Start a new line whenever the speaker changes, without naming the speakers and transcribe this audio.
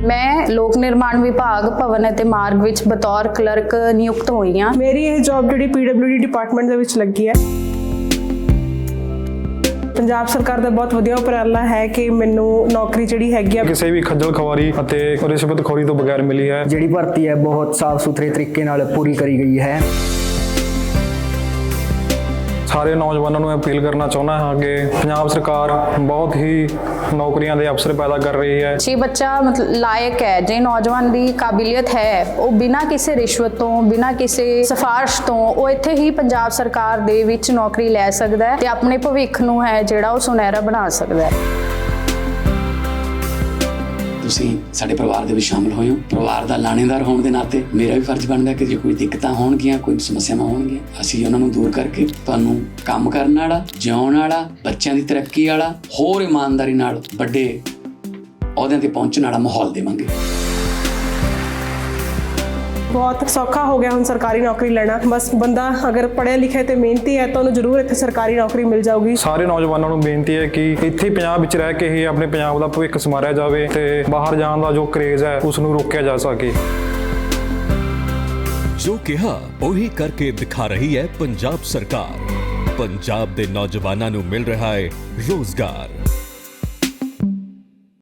मैं लोक निर्माण विभाग भवन ਅਤੇ मार्ग ਵਿੱਚ बतौर क्लर्क नियुक्त ਹੋਈ ਹਾਂ।
ਮੇਰੀ ਇਹ ਜੌਬ ਜਿਹੜੀ PWD ਡਿਪਾਰਟਮੈਂਟ ਦੇ ਵਿੱਚ ਲੱਗੀ ਹੈ। ਪੰਜਾਬ ਸਰਕਾਰ ਦਾ ਬਹੁਤ ਵਧੀਆ ਉਪਰਾਲਾ ਹੈ ਕਿ ਮੈਨੂੰ ਨੌਕਰੀ ਜਿਹੜੀ ਹੈਗੀ ਆ
ਕਿਸੇ ਵੀ ਖੱਜਲ ਖਵਾਰੀ ਅਤੇ ਰਿਸ਼ਵਤਖੋਰੀ ਤੋਂ ਬਗੈਰ ਮਿਲੀ ਹੈ।
ਜਿਹੜੀ ਭਰਤੀ ਹੈ ਬਹੁਤ ਸਾਫ਼ ਸੁਥਰੇ ਤਰੀਕੇ ਨਾਲ ਪੂਰੀ ਕਰੀ ਗਈ ਹੈ।
ਸਾਰੇ ਨੌਜਵਾਨਾਂ ਨੂੰ ਅਪੀਲ ਕਰਨਾ ਚਾਹੁੰਦਾ ਹਾਂ ਕਿ ਪੰਜਾਬ ਸਰਕਾਰ ਬਹੁਤ ਹੀ ਨੌਕਰੀਆਂ ਦੇ ਅਵਸਰ ਪੈਦਾ ਕਰ ਰਹੀ ਹੈ।
ਜੇ ਬੱਚਾ ਮਤਲਬ ਲਾਇਕ ਹੈ, ਜੇ ਨੌਜਵਾਨ ਦੀ ਕਾਬਲੀਅਤ ਹੈ, ਉਹ ਬਿਨਾਂ ਕਿਸੇ ਰਿਸ਼ਵਤ ਤੋਂ, ਬਿਨਾਂ ਕਿਸੇ ਸਿਫਾਰਿਸ਼ ਤੋਂ ਉਹ ਇੱਥੇ ਹੀ ਪੰਜਾਬ ਸਰਕਾਰ ਦੇ ਵਿੱਚ ਨੌਕਰੀ ਲੈ ਸਕਦਾ ਹੈ ਤੇ ਆਪਣੇ ਭਵਿੱਖ ਨੂੰ ਹੈ ਜਿਹੜਾ ਉਹ ਸੁਨਹਿਰਾ ਬਣਾ ਸਕਦਾ ਹੈ।
ਤੁਸੀਂ ਸਾਡੇ ਪਰਿਵਾਰ ਦੇ ਵਿੱਚ ਸ਼ਾਮਲ ਹੋਏ ਹੋ। ਪਰਿਵਾਰ ਦਾ ਲਾਣੇਦਾਰ ਹੋਣ ਦੇ ਨਾਤੇ ਮੇਰਾ ਵੀ ਫਰਜ਼ ਬਣਦਾ ਕਿ ਜੇ ਕੋਈ ਦਿੱਕਤਾਂ ਹੋਣਗੀਆਂ, ਕੋਈ ਸਮੱਸਿਆਵਾਂ ਹੋਣਗੀਆਂ, ਅਸੀਂ ਉਹਨਾਂ ਨੂੰ ਦੂਰ ਕਰਕੇ ਤੁਹਾਨੂੰ ਕੰਮ ਕਰਨ ਵਾਲਾ, ਜਿਉਣ ਵਾਲਾ, ਬੱਚਿਆਂ ਦੀ ਤਰੱਕੀ ਵਾਲਾ, ਹੋਰ ਇਮਾਨਦਾਰੀ ਨਾਲ ਵੱਡੇ ਅਹੁਦਿਆਂ ਤੇ ਪਹੁੰਚਣ ਵਾਲਾ ਮਾਹੌਲ ਦੇਵਾਂਗੇ।
ਬਹੁਤ ਸੌਖਾ ਹੋ ਗਿਆ ਹੁਣ ਸਰਕਾਰੀ ਨੌਕਰੀ ਲੈਣਾ। ਬਸ ਬੰਦਾ ਅਗਰ ਪੜ੍ਹਿਆ ਲਿਖਿਆ ਤੇ ਮਿਹਨਤੀ ਹੈ ਤਾਂ ਉਹਨੂੰ ਜ਼ਰੂਰ ਇੱਥੇ ਸਰਕਾਰੀ ਨੌਕਰੀ ਮਿਲ ਜਾਊਗੀ।
ਸਾਰੇ ਨੌਜਵਾਨਾਂ ਨੂੰ ਬੇਨਤੀ ਹੈ ਕਿ ਇੱਥੇ ਪੰਜਾਬ ਵਿੱਚ ਰਹਿ ਕੇ ਹੀ ਆਪਣੇ ਪੰਜਾਬ ਦਾ ਭਵਿੱਖ ਸੰਵਾਰਿਆ ਜਾਵੇ ਤੇ ਬਾਹਰ ਜਾਣ ਦਾ ਜੋ ਕਰੇਜ਼ ਹੈ ਉਸ ਨੂੰ ਰੋਕਿਆ ਜਾ ਸਕੇ।
ਜੋ ਕਿਹਾ ਉਹੀ ਕਰਕੇ ਦਿਖਾ ਰਹੀ ਹੈ ਪੰਜਾਬ ਸਰਕਾਰ। ਪੰਜਾਬ ਦੇ ਨੌਜਵਾਨਾਂ ਨੂੰ ਮਿਲ ਰਿਹਾ ਹੈ ਰੋਜ਼ਗਾਰ।